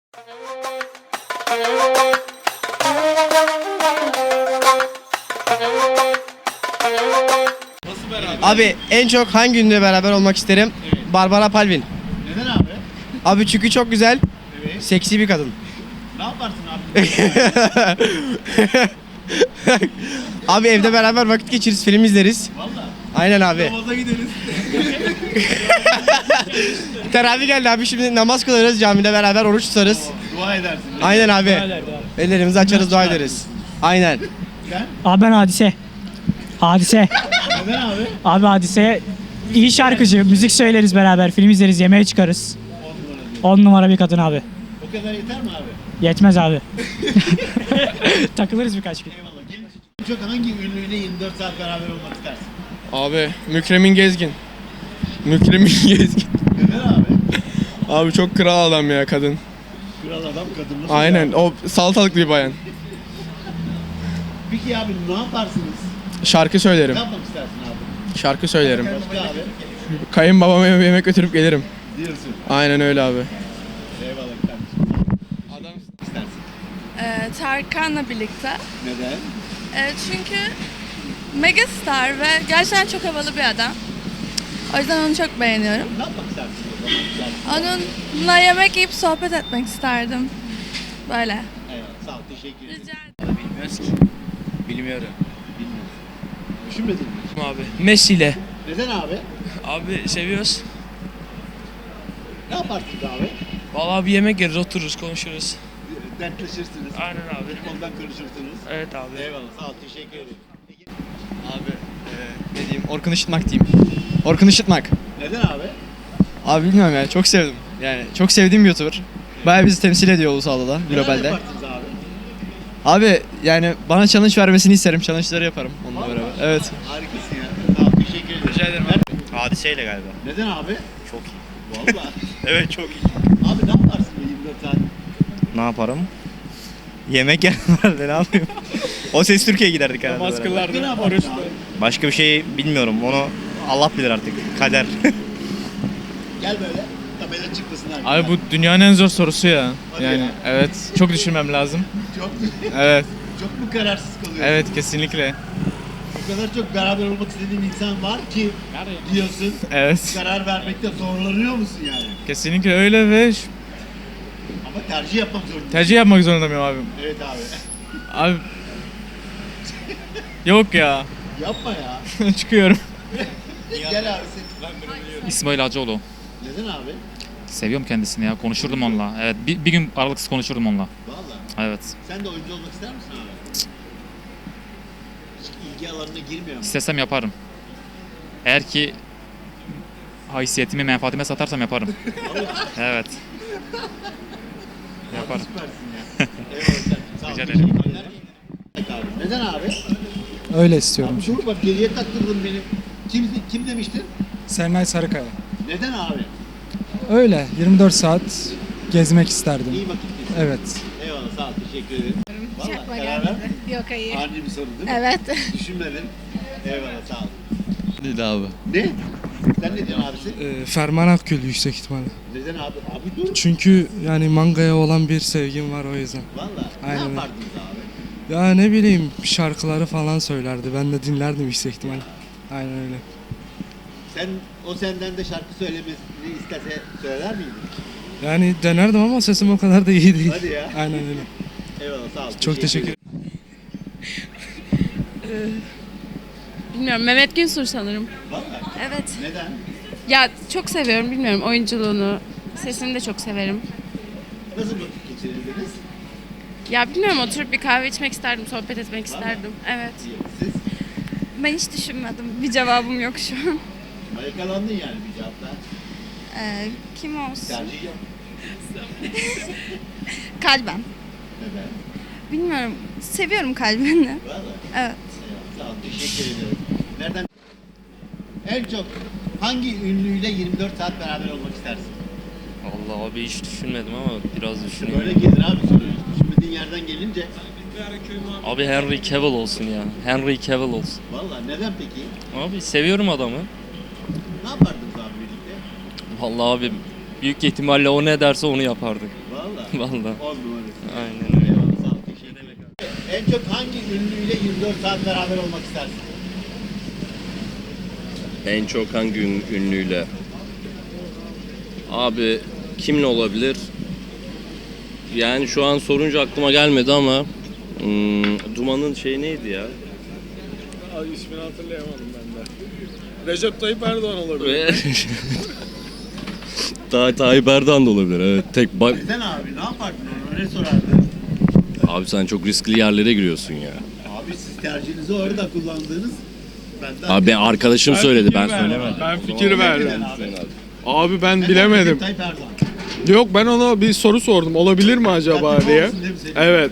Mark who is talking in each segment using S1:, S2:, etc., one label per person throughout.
S1: Abi en çok hangi ünlüyle beraber olmak isterim?
S2: Evet.
S1: Barbara Palvin.
S2: Neden abi?
S1: Abi çünkü çok güzel,
S2: Evet.
S1: seksi bir kadın.
S2: Ne yaparsın abi?
S1: Abi evde beraber vakit geçiririz, film izleriz.
S2: Valla.
S1: Aynen abi.
S2: Namaza gideriz.
S1: Teravih geldi abi, şimdi namaz kılarız, camide beraber oruç tutarız.
S2: Dua edersin.
S1: Aynen abi. Ellerimizi açarız, dua ederiz. Aynen.
S2: Sen?
S3: Abi ben Hadise. Hadise.
S2: Neden abi?
S3: Abi Hadise iyi şarkıcı. Müzik söyleriz beraber. Film izleriz. Yemeğe çıkarız.
S2: 10 numara diyor.
S3: 10 numara bir kadın abi.
S2: O kadar yeter mi abi?
S3: Yetmez abi. Takılırız birkaç gün.
S2: Eyvallah. Gelin. Çok hangi ünlüyle 24 saat beraber olmak istersin?
S4: Abi Mükremin Gezgin. Mükremin Gezgin.
S2: Neden abi?
S4: Abi çok kral adam ya kadın.
S2: Kral adam kadın nasıl?
S4: Aynen
S2: ya?
S4: o salatalıklı bir bayan.
S2: Peki abi ne yaparsınız?
S4: Şarkı söylerim.
S2: Ne yapmak istersin abi?
S4: Şarkı söylerim.
S2: Başka abi?
S4: Kayınbabama yemek götürüp gelirim.
S2: Diyorsun.
S4: Aynen öyle abi.
S2: Eyvallah kardeşim.
S4: Adam
S2: İstersin.
S5: Tarkan'la birlikte.
S2: Neden?
S5: Çünkü megastar ve gerçekten çok havalı bir adam. O yüzden onu çok beğeniyorum.
S2: Ne yapmak istersin o zaman? Güzel.
S5: Onunla yemek yiyip sohbet etmek isterdim. Böyle.
S2: Eyvallah. Sağ ol. Teşekkür ederim.
S5: Rica ederim.
S6: Bilmiyoruz ki. Bilmiyorum.
S2: Bilmiyorum. Düşünmedin mi?
S6: Abi. Messi ile.
S2: Neden abi?
S6: Abi seviyoruz.
S2: Ne yaparsınız abi?
S6: Vallahi bir yemek yeriz, otururuz, konuşuruz.
S2: Dertleşirsiniz.
S6: Aynen abi.
S2: Ondan konuşursunuz.
S6: Evet abi.
S2: Eyvallah. Sağ ol. Teşekkür ederim.
S1: Abi ne diyeyim, Orkun Işıtmak diyeyim. Orkun Işıtmak.
S2: Neden abi?
S1: Abi bilmiyorum ya, çok sevdim. Yani çok sevdiğim bir YouTuber. Bayağı bizi temsil ediyor ulusalda da,
S2: Neler
S1: globalde.
S2: yaparsınız abi?
S1: Abi yani bana challenge vermesini isterim. Challenge'ları yaparım onunla beraber. Evet.
S2: Harikasın ya. Sağ ol. Teşekkür ederim.
S6: Rica ederim
S2: abi.
S7: Hadiseyle galiba.
S2: Neden abi?
S7: Çok iyi.
S2: Valla.
S7: Evet çok iyi.
S2: Abi ne yaparsın bu 24 saat?
S7: Ne yaparım? Yemek yerlerdi ne yapayım? O Ses Türkiye'ye giderdik herhalde.
S4: namaz
S7: beraber.
S2: Ne
S4: kılardı,
S2: yaparsın
S4: oruç
S2: abi?
S7: Başka bir şey bilmiyorum. Onu Allah bilir artık. Kader.
S2: Gel böyle. Tabela çıkmasın abi.
S4: Abi bu dünyanın en zor sorusu ya.
S2: Hadi
S4: Yani
S2: ya.
S4: evet çok düşünmem lazım.
S2: Çok,
S4: Evet.
S2: çok mu kararsız kalıyorsun?
S4: Evet kesinlikle.
S2: O kadar çok beraber olmak istediğin insan var ki diyorsun.
S4: Evet.
S2: Karar vermekte zorlanıyor musun yani?
S4: Kesinlikle öyle ve
S2: Ama tercih yapmak zorundasın.
S4: tercih yapmak zorunda mıyım abi?
S2: Evet abi.
S4: Abi yok ya.
S2: Yapma ya.
S4: Çıkıyorum.
S2: Gel abi sen.
S8: İsmail Hacıoğlu.
S2: Neden abi?
S8: Seviyorum kendisini ya. Konuşurdum onunla. Evet. Bir gün aralıksız konuşurdum onunla.
S2: Valla.
S8: Evet.
S2: Sen de oyuncu olmak ister misin abi? Hiç ilgi alanına girmiyor mu?
S8: İstesem yaparım. Eğer ki haysiyetimi, menfaatime satarsam yaparım. Evet. Yaparım.
S2: Süpersin ya. Eyvallah sen. Sağ ol.
S8: Rica ederim.
S2: Teşekkürler. Evet abi. Neden abi?
S3: Öyle istiyorum.
S2: Abi dur bak geriye taktırdın beni. Kim demiştin?
S3: Serenay Sarıkaya.
S2: Neden abi?
S3: Öyle 24 saat gezmek isterdim.
S2: İyi vakit geçsin.
S3: Evet.
S2: Eyvallah sağ ol. Teşekkür ederim. Valla
S5: Çakma
S2: karar
S5: gelmedi.
S2: ver.
S5: Yok hayır.
S2: Ani bir soru değil mi?
S5: Evet.
S2: Düşünmedin. Eyvallah sağ ol.
S1: Dedi abi.
S2: Ne? Sen ne diyorsun abisi?
S9: Ferman Akgül yüksek ihtimalle.
S2: Neden abi? Abi dur.
S9: Çünkü yani mangaya olan bir sevgim var o yüzden.
S2: Valla. Ne
S9: Aynen.
S2: yapardınız abi?
S9: Ya ne bileyim şarkıları falan söylerdi. Ben de dinlerdim yüksek ihtimalle. Aynen öyle.
S2: O senden de şarkı söylemesini istese söyler miydin?
S9: Yani denerdim ama sesim o kadar da iyi değil.
S2: Hadi ya.
S9: Aynen öyle.
S2: Eyvallah sağ ol.
S9: Çok teşekkür ederim.
S5: Bilmiyorum. Mehmet Günsur sanırım.
S2: Valla.
S5: Evet.
S2: Neden?
S5: Ya çok seviyorum. Bilmiyorum oyunculuğunu. Sesini de çok severim.
S2: Nasıl vakit geçirirdiniz?
S5: Ya bilmiyorum, oturup bir kahve içmek isterdim. Sohbet etmek isterdim. Evet.
S2: Siz
S5: Ben hiç düşünmedim. Bir cevabım yok şu an.
S2: yakalandın yani bir cevapla.
S5: Kim olsun?
S2: Tercih yap.
S5: Kalben.
S2: Neden?
S5: Bilmiyorum. Seviyorum kalbini.
S2: Valla.
S5: Evet.
S2: Eyvallah, sağ ol. Teşekkür ediyorum. Nereden? En çok hangi ünlüyle 24 saat beraber olmak istersin?
S6: Allah abi hiç düşünmedim ama biraz düşüneyim.
S2: Böyle gelir abi soruyu. Düşünmediğin yerden gelince.
S6: Abi Henry Cavill olsun ya. Henry Cavill olsun.
S2: Valla neden peki?
S6: Abi seviyorum adamı.
S2: Ne yapardınız abi birlikte?
S6: Vallahi abi büyük ihtimalle o ne derse onu yapardık.
S2: Valla.
S6: Vallahi.
S2: 10 numarası.
S6: Aynen öyle.
S2: Eyvallah, sağ ol, teşekkür ederim. En çok hangi ünlüyle 24 saat beraber olmak istersin?
S10: En çok hangi ünlüyle? Abi kimle olabilir? Yani şu an sorunca aklıma gelmedi ama Duman'ın şey neydi ya?
S9: İsmini hatırlayamadım ben de. Recep Tayyip Erdoğan olabilir.
S10: Tayyip Erdoğan da olabilir. Evet.
S2: Sen abi ne yapardın onu? Ne sorardın?
S10: Abi sen çok riskli yerlere giriyorsun ya.
S2: Abi siz tercihinizi orada kullandığınız.
S10: Abi ben arkadaşım söyledi, ben söylemedim.
S9: Ben fikir verdim.
S2: Abi.
S9: Abi ben
S2: Neden
S9: bilemedim.
S2: Recep Tayyip Erdoğan?
S9: Yok, ben ona bir soru sordum. Olabilir mi acaba
S2: Sen
S9: diye.
S2: olsun değil mi senin?
S9: Evet.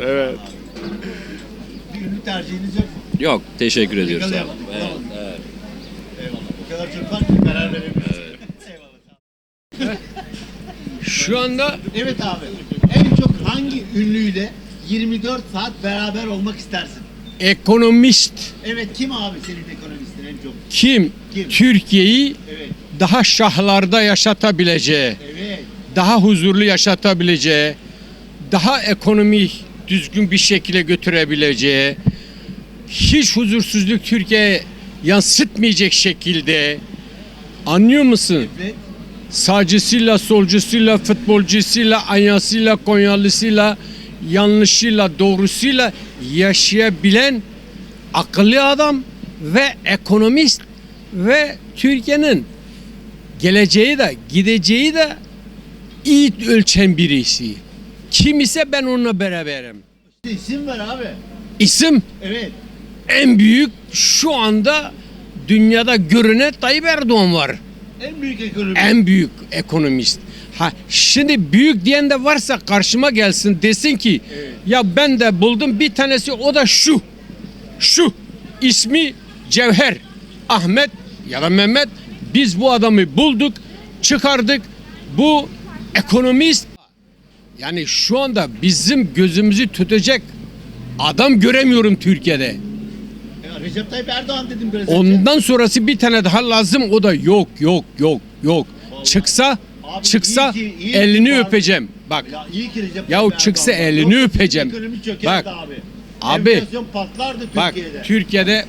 S2: Bir ünlü tercihiniz yok mu?
S10: Yok, teşekkür ediyoruz abi.
S2: Yakalayamadım.
S10: Evet,
S2: Olamadım.
S10: evet.
S2: Eyvallah. O kadar çok var ki karar veremiyoruz. Eyvallah.
S9: Şu anda
S2: Evet abi. En çok hangi ünlüyle 24 saat beraber olmak istersin?
S11: Ekonomist
S2: Evet, kim abi senin ekonomistin en çok?
S11: kim?
S2: Kim?
S11: Türkiye'yi
S2: Evet.
S11: daha şahlarda yaşatabileceği,
S2: Evet.
S11: daha huzurlu yaşatabileceği, daha ekonomi düzgün bir şekilde götürebileceği, hiç huzursuzluk Türkiye'ye yansıtmayacak şekilde, anlıyor musun?
S2: Evet.
S11: Sağcısıyla, solcusuyla, futbolcusuyla, anyasıyla, konyalısıyla, yanlışıyla, doğrusuyla yaşayabilen akıllı adam ve ekonomist ve Türkiye'nin geleceği de gideceği de iyi ölçen birisi. Kim ise ben onunla beraberim.
S2: İşte isim ver abi.
S11: İsim
S2: Evet.
S11: en büyük şu anda dünyada görünen Tayyip Erdoğan var.
S2: En büyük ekonomi.
S11: En büyük ekonomist. Ha şimdi büyük diyen de varsa karşıma gelsin desin ki ya ben de buldum bir tanesi, o da şu. Şu ismi Cevher Ahmet ya da Mehmet, biz bu adamı bulduk, çıkardık. Bu ekonomist, yani şu anda bizim gözümüzü tutacak adam göremiyorum Türkiye'de.
S2: Ya Recep Tayyip Erdoğan dedim biraz önce.
S11: Ondan sonrası bir tane daha lazım, o da yok.
S2: Vallahi.
S11: Çıksa
S2: Abi iyi ki
S11: elini
S2: var.
S11: öpeceğim. Bak
S2: Ya iyi ki Recep
S11: Yahu
S2: Tayyip
S11: çıksa
S2: Erdoğan var.
S11: elini
S2: Yoksa
S11: öpeceğim.
S2: Ekonomi çökerdi
S11: Bak,
S2: abi.
S11: abi,
S2: Enflasyon patlardı
S11: bak
S2: Türkiye'de.
S11: Türkiye'de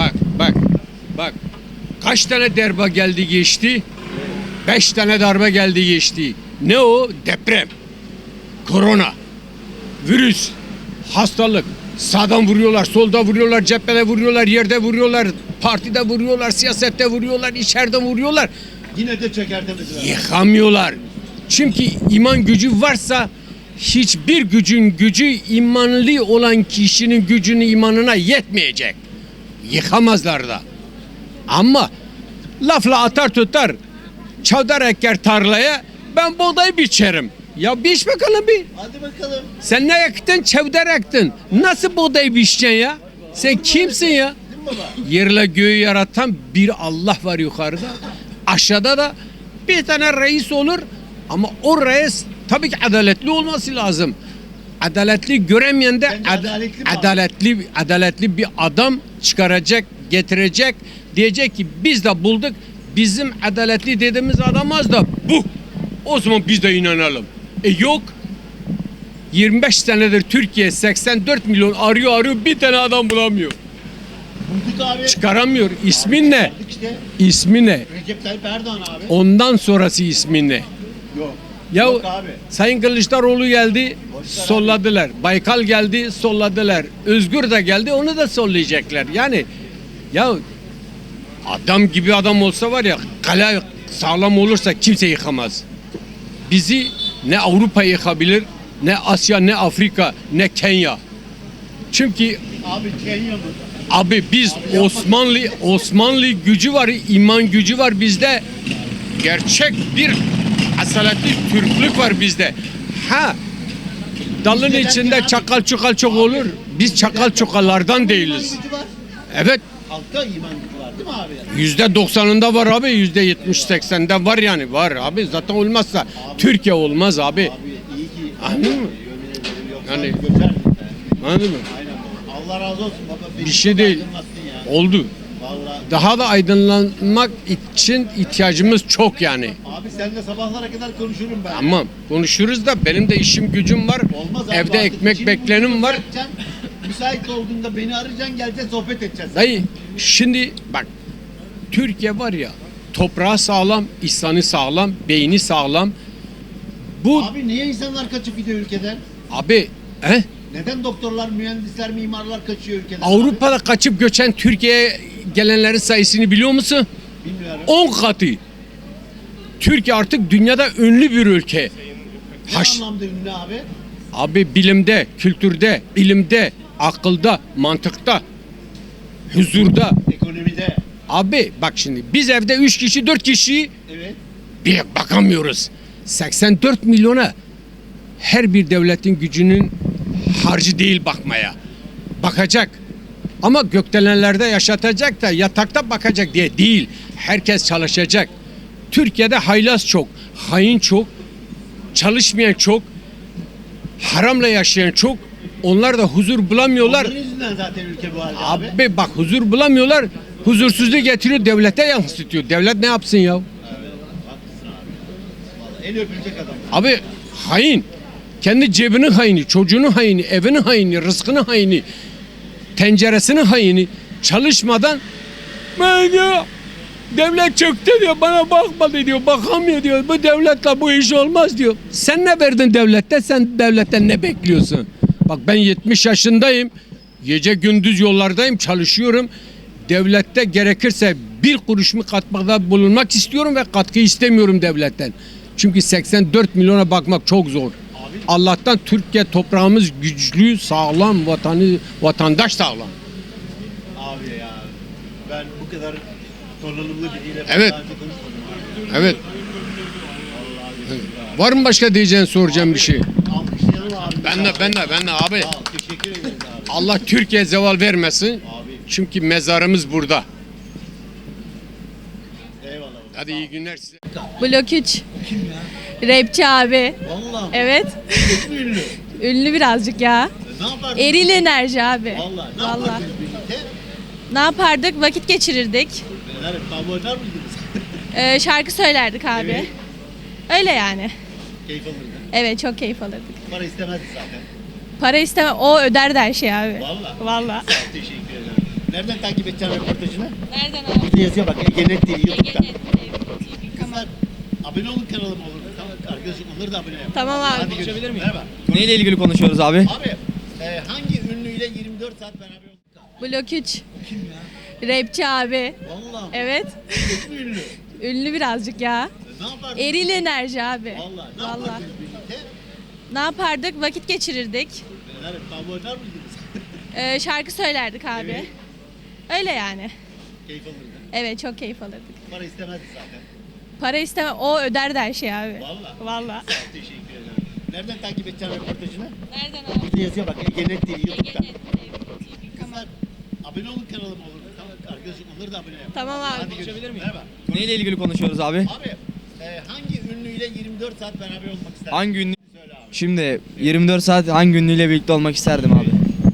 S11: bak kaç tane darbe geldi geçti? 5 tane darbe geldi geçti. Ne o? Deprem, korona, virüs, hastalık. Sağdan vuruyorlar, solda vuruyorlar, cephede vuruyorlar, yerde vuruyorlar, partide vuruyorlar, siyasette vuruyorlar, içeride vuruyorlar.
S2: Yine de çökertemediler.
S11: Yıkamıyorlar. Çünkü iman gücü varsa hiçbir gücün gücü imanlı olan kişinin gücünün imanına yetmeyecek. Yıkamazlar da. Ama lafla atar tutar, çavdar eker tarlaya, ben buğday biçerim. Ya biç bakalım bir.
S2: Hadi bakalım.
S11: Sen ne ektin? Çavdar ektin. Nasıl buğday biçeceksin ya? Sen kimsin ya?
S2: Değil mi baba?
S11: Yerle göğü yaratan bir Allah var yukarıda. Aşağıda da bir tane reis olur ama o reis tabii ki adaletli olması lazım. Adaletli göremeyen de
S2: Bence adaletli mi abi?
S11: adaletli bir adam çıkaracak, getirecek. Diyecek ki biz de bulduk. Bizim adaletli dediğimiz adam az da bu. O zaman biz de inanalım. Yok. 25 senedir Türkiye 84 milyon arıyor bir tane adam bulamıyor.
S2: Bulduk abi.
S11: Çıkaramıyor. İsmin ne?
S2: Bulduk işte.
S11: İsmi ne?
S2: Recep Tayyip Erdoğan abi.
S11: Ondan sonrası ismi ne?
S2: Yok.
S11: Ya
S2: Yok abi.
S11: Sayın Kılıçdaroğlu geldi, solladılar. Baykal geldi, solladılar. Özgür de geldi, onu da sollayacaklar. Yani ya adam gibi adam olsa var ya, kale sağlam olursa kimse yıkamaz. Bizi ne Avrupa yıkabilir, ne Asya, ne Afrika, ne Kenya. Çünkü
S2: Abi Kenya mı?
S11: abi biz Osmanlı gücü var, iman gücü var bizde. Gerçek bir asaletli Türklük var bizde. Ha, dalın
S2: Bizde
S11: içinde
S2: belki
S11: çakal çukal çok olur. Biz çakal çukallardan değiliz.
S2: İman gücü var.
S11: Evet,
S2: Halkta iman gücü var değil mi abi?
S11: %90'ında var abi, %70-80'de var yani, var abi. Zaten olmazsa Türkiye olmaz abi.
S2: Abi iyi ki.
S11: Anladın mı?
S2: Yemin ederim, yoksa
S11: Yani-
S2: göçerdik be.
S11: Anladın mı?
S2: Aynen baba. Allah razı olsun baba. Beni
S11: Bir şey
S2: çok
S11: değil.
S2: aydınlattın ya.
S11: Oldu.
S2: Vallahi
S11: Daha da aydınlanmak için ihtiyacımız çok yani.
S2: Abi seninle sabahlara kadar konuşurum ben.
S11: Tamam konuşuruz da benim de işim gücüm var.
S2: Olmaz abi,
S11: Evde
S2: artık
S11: ekmek
S2: işini
S11: beklenim
S2: gücünü
S11: var.
S2: bırakacaksın. Müsait olduğunda beni arayacaksın, geleceğiz, sohbet edeceğiz.
S11: Dayı şimdi bak Türkiye var ya toprağı sağlam, insanı sağlam, beyni sağlam. Bu
S2: Abi niye insanlar kaçıp gidiyor ülkeden?
S11: abi
S2: Neden doktorlar, mühendisler, mimarlar kaçıyor ülkeden?
S11: Avrupa'da kaçıp göçen Türkiye'ye gelenlerin sayısını biliyor musun?
S2: Abi? Bilmiyorum.
S11: 10 katı. Türkiye artık dünyada ünlü bir ülke.
S2: Ne anlamda ünlü abi?
S11: Abi bilimde, kültürde, ilimde, akılda, mantıkta, huzurda.
S2: Ekonomide.
S11: Abi bak şimdi biz evde 3 kişi 4 kişi
S2: Evet.
S11: bir bakamıyoruz. 84 milyona her bir devletin gücünün harcı değil bakmaya. Bakacak. Ama gökdelenlerde yaşatacak da yatakta bakacak diye değil. Herkes çalışacak. Türkiye'de haylaz çok, hain çok, çalışmayan çok, haramla yaşayan çok. Onlar da huzur bulamıyorlar.
S2: Onların yüzünden zaten ülke bu halde abi.
S11: Abi bak huzur bulamıyorlar. Huzursuzluğu getiriyor devlete yansıtıyor. Devlet ne yapsın ya?
S2: Haklısın abi. Vallahi el öpülecek adam.
S11: Abi hain. Kendi cebinin haini, çocuğunun haini, evinin haini, rızkının haini, tenceresinin haini. Çalışmadan ben diyor devlet çöktü diyor, bana bakmadı diyor, bakamıyor diyor. Bu devletle bu iş olmaz diyor. Sen ne verdin devlette? Sen devletten ne bekliyorsun? Bak ben 70 yaşındayım. Gece gündüz yollardayım, çalışıyorum. Devlette gerekirse bir kuruş mu katkıda bulunmak istiyorum ve katkı istemiyorum devletten. Çünkü 84 milyona bakmak çok zor. Allah'tan Türkiye toprağımız güçlü, sağlam, vatandaş sağlam.
S2: Abi ya ben bu kadar donanımlı biriyle
S11: Evet.
S2: daha önce konuşmadım abi.
S11: Evet. Var mı başka diyeceğin soracağım bir şey?
S2: Alkışlayalım abi.
S11: Ben de abi.
S2: Sağ ol, teşekkür ederiz abi.
S11: Allah Türkiye zeval vermesin.
S2: Abi
S11: Çünkü mezarımız burada.
S2: eyvallah.
S11: Hadi iyi günler size.
S5: Blok 3. Rapçi abi.
S2: Vallahi
S5: Evet.
S2: çok mu ünlü?
S5: Ünlü birazcık ya.
S2: Ne yapardın?
S5: Eril enerji abi.
S2: Vallahi ne
S5: Vallahi.
S2: yapardınız birlikte?
S5: Ne yapardık? Vakit geçirirdik.
S2: Neler tam oynar mıydınız?
S5: Şarkı söylerdik abi.
S2: Evet.
S5: Öyle yani.
S2: Keyif alırdın.
S5: Evet çok keyif alırdık.
S2: Para istemezdi zaten.
S5: Para isteme o öderdi her şeyi abi.
S2: Vallahi.
S5: Vallahi.
S2: Sağ ol, teşekkür ederim. Nereden takip edeceksin röportajını?
S5: Nereden abi?
S2: Burada yazıyor bak Egenet TV YouTube'da.
S5: Egenet.
S2: Kızlar abone olun kanalıma olur. Tamam arkadaşım onları da abone yapın.
S5: Tamam abi.
S2: Hadi görüşebilir miyim? Merhaba.
S1: Neyle ilgili konuşuyoruz abi?
S2: Abi hangi ünlüyle 24 saat beraber olduk?
S5: Blok 3. Rapçi abi.
S2: Vallahi
S5: Evet.
S2: çok mu ünlü?
S5: Ünlü birazcık ya.
S2: Ne yapardın?
S5: Eril enerji abi.
S2: Vallahi ne
S5: Vallahi.
S2: yapardınız birlikte?
S5: Ne yapardık? Vakit geçirirdik.
S2: Neler tam oynar mıydınız?
S5: Şarkı söylerdik abi.
S2: Evet.
S5: Öyle yani.
S2: Keyif alırdın.
S5: Evet çok keyif alırdık.
S2: Para istemezdi zaten.
S5: Para isteme o öderdi her şeyi abi.
S2: Vallahi.
S5: Vallahi.
S2: Sağ ol, teşekkür ederim. Nereden takip edeceksin röportajını?
S5: Nereden abi?
S2: Burada yazıyor bak Egenet TV YouTube'da.
S5: Egenet.
S2: Kızlar abone olun kanalıma olur. Tamam arkadaşım onları da abone yapın.
S5: Tamam abi.
S2: Hadi görüşebilir miyim? Merhaba.
S1: Neyle ilgili konuşuyoruz abi?
S2: Abi hangi ünlüyle 24 saat beraber olmak isterdin?
S1: Hangi ünlü?
S2: Söyle abi.
S1: Şimdi 24 saat hangi ünlüyle birlikte olmak isterdim abi?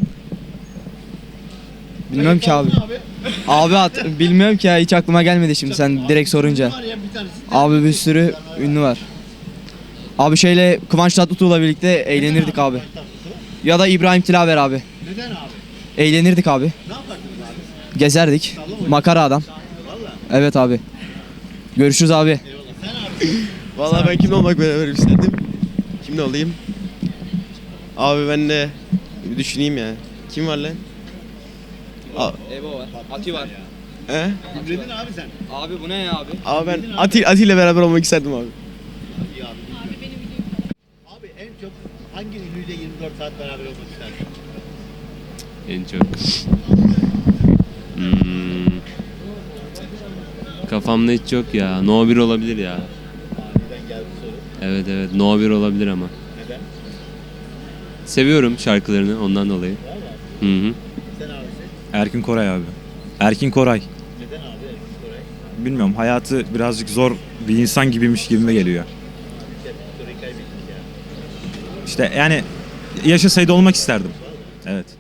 S1: Bilmiyorum ki abi. Bilmiyorum ki ya hiç aklıma gelmedi şimdi sen direkt sorunca.
S2: Var ya bir tanesi.
S1: Abi bir sürü ünlü var. Abi şeyle Kıvanç Tatlıtuğ'la birlikte eğlenirdik abi. Ya da İbrahim Tilaver abi.
S2: Neden abi?
S1: Eğlenirdik abi.
S2: Ne yapardınız abi?
S1: Gezerdik. Makara adam.
S2: Valla.
S1: Evet abi. Görüşürüz abi.
S2: Eyvallah. Sen abi.
S12: Vallahi ben kimle olmak beraber isterdim? Kimle olayım? Abi ben de bir düşüneyim ya. Kim var lan?
S1: Ebo var. Ati var.
S12: He?
S2: Hibredin abi sen.
S1: Abi bu ne ya abi?
S12: Abi ben Ati ile beraber olmak isterdim abi.
S2: İyi abi. Abi en çok hangi ünlüyle 24 saat beraber olmak isterdin?
S10: En çok. Kafamda hiç yok ya. No 1 olabilir ya.
S2: Neden geldi soru?
S10: Evet No 1 olabilir ama.
S2: Neden?
S10: Seviyorum şarkılarını ondan dolayı. Hı hı.
S2: Sen abi
S13: Erkin Koray abi. Erkin Koray.
S2: neden abi Erkin Koray?
S13: Bilmiyorum hayatı birazcık zor bir insan gibiymiş gibime geliyor.
S2: Soruyu kaybettik ya.
S13: İşte yani yaşasaydı olmak isterdim. Evet.